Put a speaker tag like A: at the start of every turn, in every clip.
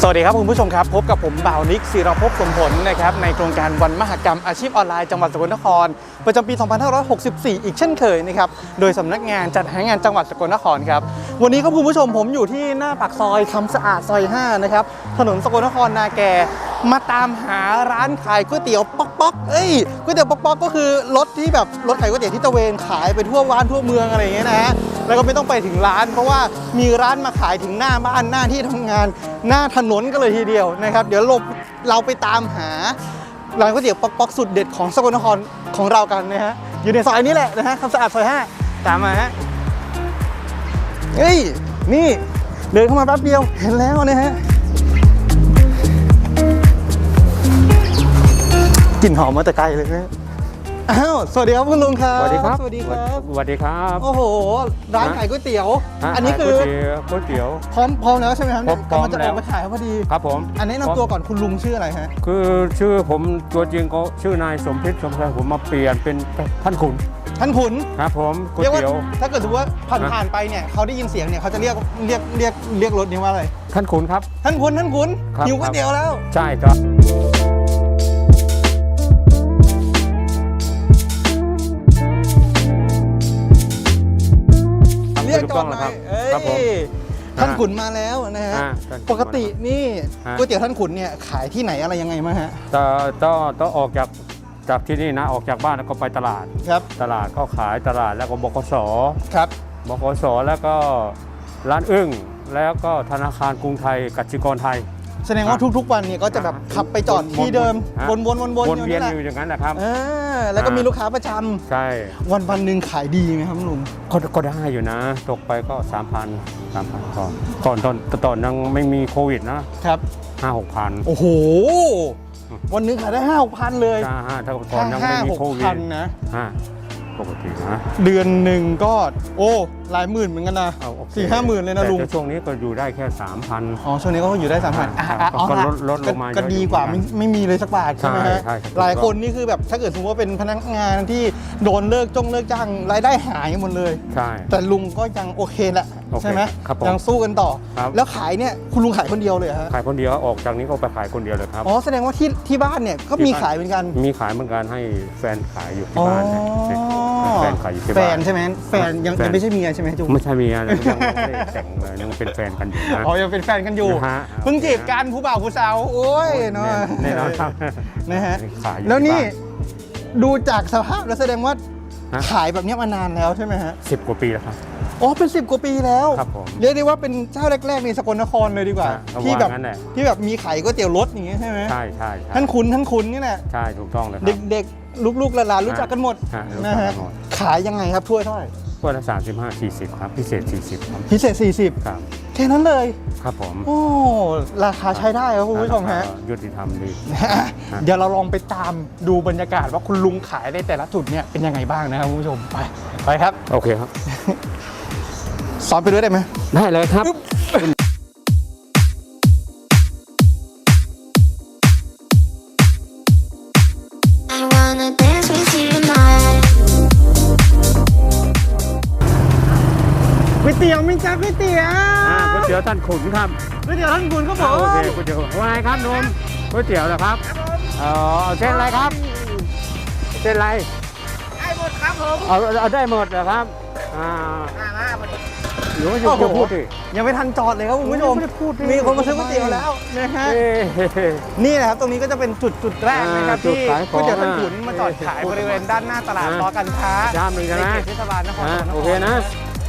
A: วัสดีครับคุณผู้ชมครับพบกับผมบ่าวนิกศิรภพสมผลนะครับในโครงการวันมหกรรมอาชีพออนไลน์จังหวัดสกลนครประจำปี 2564 อีกเช่นเคยนะครับโดยสำนักงานจัดหางานจังหวัดสกลนครครับวันนี้ครับคุณผู้ชมผมอยู่ที่หน้าปากซอยคำสะอาดซอย5นะครับถนนสกลนครนาแกมาตามหาร้านขายก๋วยเตี๋ยวป๊อกก๋วยเตี๋ยวป๊อกก็คือรถที่แบบรถขายก๋วยเตี๋ยวที่ตะเวนขายไปทั่วบ้านทั่วเมืองอะไรอย่างเงี้ยนะฮะแล้วก็ไม่ต้องไปถึงร้านเพราะว่ามีร้านมาขายถึงหน้าบ้านหน้าที่ทำงานหน้าถนนก็เลยทีเดียวนะครับเดี๋ยวเราไปตามหาร้านก๋วยเตี๋ยวป๊อกสุดเด็ดของสกลนครของเรากันนะฮะอยู่ในซอยนี้แหละนะฮะคำสะอาดซอย5ตามมาฮะเฮ้ยนี่เดินเข้ามาแป๊บเดียวเห็นแล้วนะฮะกลิ่นหอมมาแต่ไกลเลยนะอ้าวสวัสดีครับคุณลุงครับ
B: สวัสดีครับ
A: สวัสดีครับ
B: สวัสดีครับ
A: โอ้โหร้านขายก๋วยเตี๋ยวอันนี้คือ
B: ก๋วยเตี๋ยว
A: พร้อมแล้วใช่ไหมครับ
B: พร้อม
A: กำลังจะออกมาขายพอดี
B: ครับผม
A: อันนี้นำตัวก่อนคุณลุงชื่ออะไรฮะ
B: คือชื่อผมตัวจริงก็ชื่อนายสมพิษสมชายผมมาเปลี่ยนเป็นท่านขุนครับผมก๋วยเตี๋ยว
A: ถ้าเกิดสมมติว่าผ่านไปเนี่ยเขาได้ยินเสียงเนี่ยเขาจะเรียกรถนี้ว่าอะไร
B: ท่านขุนครับ
A: ท่านขุนหิวก๋วยเตี๋ยวแล้ว
B: ใช่ครับ
A: เรียกก่อนนะครับท่านขุนมาแล้วนะฮะปกตินี่ก๋วยเตี๋ยวท่านขุนเนี่ยขายที่ไหนอะไรยังไงมาฮะ
B: ต้องออกจากที่นี่นะออกจากบ้านแล้วก็ไปตลาด
A: ครับ
B: ตลาดก็ขายตลาดแล้วก็บกส.
A: ครับ
B: บกส.แล้วก็ร้านอึ้งแล้วก็ธนาคารกรุงไทยกสิกรไทย
A: แสดงว่าทุกๆวันเนี่ยก็จะแบบขับไปจอดที่เดิม
B: วนเวียนอยู่อย่างนั้นแหละครับ
A: แล้วก็มีลูกค้าประจำ
B: ใช่
A: วันหนึ่งขายดีไหมครับลุง
B: ก็ได้อยู่นะตกไปก็ 3,000 ก่อนตอนยังไม่มีโควิดนะครับ 5-6,000
A: โอ้โหวันนึงขายได้ 5-6,000 เลย
B: ถ้าก่อนยังไม่มีโควิด
A: นะ
B: ปกตินะ
A: เดือนหนึ่งก็โอ้หลายหมื่นเหมือนกันนะ4-5 หมื่นเลยนะลุง
B: แต่ช่วงนี้ก็อยู่ได้แค่ 3,000
A: อ๋อช่วงนี้ก็อยู่ได้ 3,000
B: ก็ลดลงมา
A: ก็ดีกว่าไม่มีเลยสักบาทใช่ไหมฮะหลายคนนี่คือแบบถ้าเกิดสมมติว่าเป็นพนักงานที่โดนเลิกจ้างรายได้หายหมดเลย
B: ใช่
A: แต่ลุงก็ยังโอเคแหละใช่ไหมยังสู้กันต่อแล้วขายเนี่ยคุณลุงขายคนเดียวเลยฮะ
B: ขายคนเดียวออกจากนี้ก็ไปขายคนเดียวเลยครับ
A: อ๋อแสดงว่าที่บ้านเนี่ยก็มีขายเหมือนกัน
B: มีขายเหมือนกันให้แฟนขายอยู่ที่บ้านแฟนขายอยู่ที่บ้าน
A: แฟนใช่ไหมแฟนยังไม่ใช่เมียใช่ไหมจุ๊บ
B: ไม่ใช่เมียยังไม่ได้แต่งเลยยังเป็นแฟนกันอยู่นะ
A: อ๋อยังเป็นแฟนกันอยู่เพิ่งจีบกันผู้บ่าวผู้สาวโอ้ยเนาะ
B: แน่นอนครับ
A: นะฮะแล้วนี่ดูจากสภาพแล้วแสดงว่าขายแบบนี้มานานแล้วใช่ไหมฮะ
B: 10 กว่าปีแล้วครับ
A: อ๋อเป็น10 กว่าปีแล้ว
B: ครับผม
A: เรียกได้ว่าเป็นเจ้าแรกๆในสกลนครเลยดีกว่าที่แบบมีขายก๋วยเตี๋ยวรถอย่างเงี้ยใช่ไหม
B: ใช่
A: ท่านขุนนี่แหละ
B: ใช่ถูกต้องเลย
A: เด็กๆลูกๆหลานๆรู้จักกันหมดนะฮะขายยังไงครับถ้วยเท่าไหร่
B: ถ้วยละ35-40ครับพิเศษ40ครับ
A: พิเศษ40
B: ครับ
A: แค่นั้นเลย
B: ครับผม
A: โอ้ราคาใช้ได้ครับคุณผู้ชมฮะ
B: ยุติธรรมดี
A: เดี๋ยวเราลองไปตามดูบรรยากาศว่าคุณลุงขายในแต่ละจุดเนี่ยเป็นยังไงบ้างนะครับคุณผู้ชมไปครับ
B: โอเคครับ
A: สอนไปด้วยได้ไหม
B: ได้เลยครับ
A: ก๋วยเตี๋ยวมิจ้าก๋วยเตี๋ยว
B: ก๋วยเตี๋ยวท่านขุนครับ
A: ก๋วยเตี๋ยวท่านขุนครับผม
B: โอเคก๋วยเตี๋ยวว่าไงครับนมก๋วยเตี๋ยวเหรอครับเส้นอะไรครับเส้นอะไร
A: ได้หมดครับผม
B: เอาได้หมดเหรอครับหรือว่าจะพูดดิ
A: ยังไม่ทันจอดเลยครับคุณผู้ชมมีคนมาซื้อก๋วยเตี๋ยวแล้วนะฮะนี่แหละครับตรงนี้ก็จะเป็นจุดแรกนะครับที่ก๋วยเตี๋ยวท่านขุนมาจอดขายบริเวณด้านหน้าตลาดรอการค้า
B: ใน
A: เขตเทศบาลนครสกลนคร
B: โอเคนะ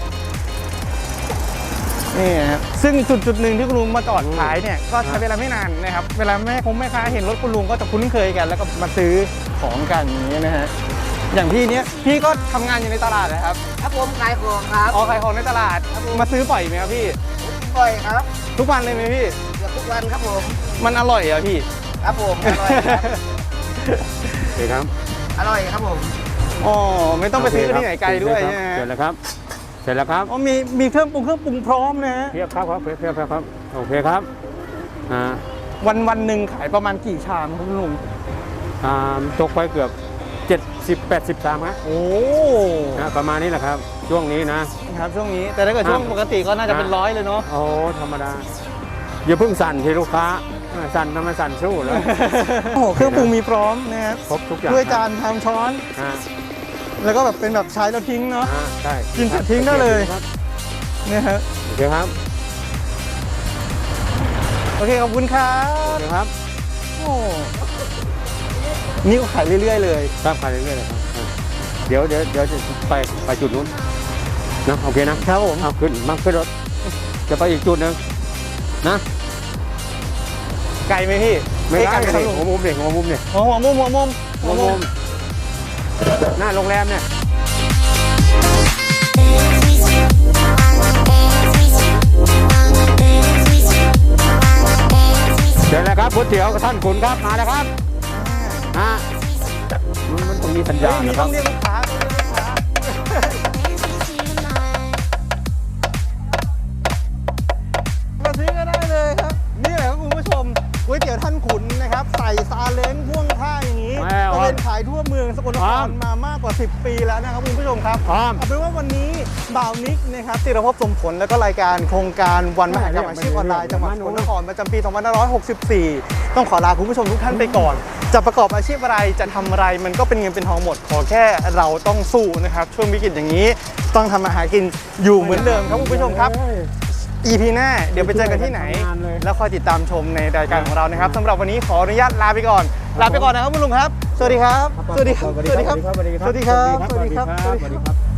A: นี่ครับซึ่งจุดหนึ่งที่คุณลุงมาจอดขายเนี่ยก็ใช้เวลาไม่นานนะครับเวลาแม่ค้าเห็นรถคุณลุงก็จะคุ้นเคยกันแล้วก็มาซื้อของกันอย่างนี้นะฮะอย่างพี่เนี้ยพี่ก็ทำงานอยู่ในตลาดนะครับ
C: ครับผมขายของครับ
A: ขายของในตลาดมาซื้อบ่อยไหมครับพี่
C: บ่อยครับ
A: ทุกวันเลยไหมพี่
C: เกือบทุกวันครับผม
A: มันอร่อยเหรอพี่
C: ครับผมอร่อยครับ
B: เดี๋ยวครับ
C: อร่อยครับผม
A: อ๋อไม่ต้องไปซื้อที่ไหนไกลด้วยใช่ไหม
B: เสร็จแล้วครับเสร็จแล้วครับ
A: อ๋อมีเครื่องปรุงพร้อมนะ
B: เพียบครับเพียบครับโอเคครับ
A: วันหนึ่งขายประมาณกี่ชามครับลุง
B: ตกไปเกือบ70-80 ชามครับ
A: โอ้
B: ประมาณนี้แหละครับช่วงนี้นะครับ
A: ช่วงนี้แต่ถ้าเกิดช่วงปกติก็น่าจะเป็น100เลยเนาะ
B: โอ้ธรรมดาอย่าเพิ่งสั่นที่ลูกค้าสั่นทำไมสั่นสู้เลย
A: โอ้โหเครื่องปรุงมีพร้อมนะครับ
B: ครบทุกอย่าง
A: ถ้วยจานชามช้อน
B: อ่า
A: แล้วก็แบบเป็นแบบใช้แล้วทิ้งเนาะ
B: ใช่
A: กินเสร็จทิ้งได้เลย
B: ครับ
A: เนี่ยฮะ
B: โอเคครับ
A: โอเคขอบคุณครั
B: โอบ เคครับ
A: โอ้นี่ก็ขายเรื่อยๆเลย
B: ครับไปเรื่อยๆเลยครับเดี๋ยวจะไปจุดนู้นนะโอเคนะครับ
A: ผม
B: เอาขึ้นรถจะไปอีกจุดหนึ่งนะ
A: ไกลไหมพี่
B: ไม่ได้
A: ไกลไหมครับ
B: หัวมุมเนี่ย
A: หัวมุม
B: หัวมุมหน้าโรงแรมเนี่ยเดี๋ยวแล้วครับก๋วยเตี๋ยวกับท่านขุนครับมาแล้วครับมันต้องมีสัญญาณ
A: มี
B: นะค
A: ต้
B: รั
A: อบ งเรียกลูกค้ามาซื้อก็ได้เลยครับ นี่แหละครับคุณผู้ชมก๋วยเตี๋ยวท่านขุนนะครับ ใส่ซาเล้งพ่วงข้างอย่างนี้ตะเวนขายทั่วเมืองสกลนครมามากกว่า 10 ปีแล้วนะครับคุณผู้ชมครับ
B: พร้อม
A: เอาเป็นว่าวันนี้บ่าวนิกนะครับจิรภพสมผลและก็รายการโครงการวันมหกรรมอาชีพออนไลน์จังหวัดสกลนครประจำปี 2564 ต้องขอลาคุณผู้ชมทุกท่านไปก่อน จะประกอบอาชีพอะไรจะทำอะไรมันก็เป็นเงินเป็นทองหมดขอแค่เราต้องสู้นะครับช่วงวิกฤตอย่างนี้ต้องทำมาหากินอยู่เหมือนเดิมครับคุณผู้ชมครับ EP หน้าเดี๋ยวไปเจอกันที่ไหน แล้วคอยติดตามชมในรายการของเรานะครับสำหรับวันนี้ขออนุญาตลาไปก่อนนะครับคุณลุงครับ สวัสดีครับ สวัสดีครับ สวัสดีครับ สวัสดีครับ สวัสดีครับ
B: สวัสดีครับ